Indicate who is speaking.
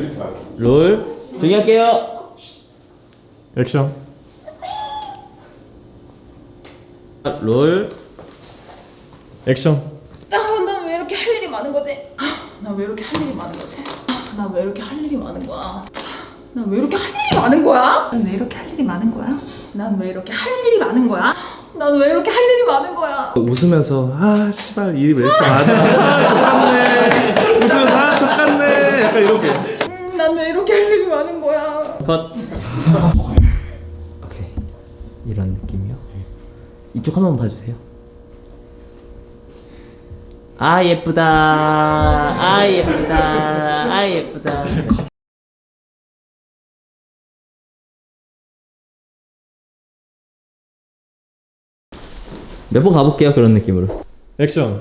Speaker 1: 롤 정리할게요.
Speaker 2: 액션.
Speaker 1: 롤
Speaker 2: 액션.
Speaker 3: 난 왜 이렇게 할 일이 많은 거지? 나 왜 이렇게 할 일이 많은 거지? 나 왜 이렇게 할 일이 많은 거야? 난 왜 이렇게 할 일이 많은 거야? 난 왜 이렇게 할 일이 많은 거야? 난 왜 이렇게 할 일이 많은 거야? 난 왜 이렇게 할 일이 많은 거야?
Speaker 2: 웃으면서 아 씨발 일이 왜 이렇게 많아. 똑같네. 웃으면서 아 똑같네. 약간 이렇게.
Speaker 3: 난 왜 이렇게 할 일이 많은 거야?
Speaker 1: 컷. 오케이 이런 느낌이요. 이쪽 한 번만 봐주세요. 아 예쁘다. 아 예쁘다. 아 예쁘다. 몇 번 가볼게요. 그런 느낌으로.
Speaker 2: 액션.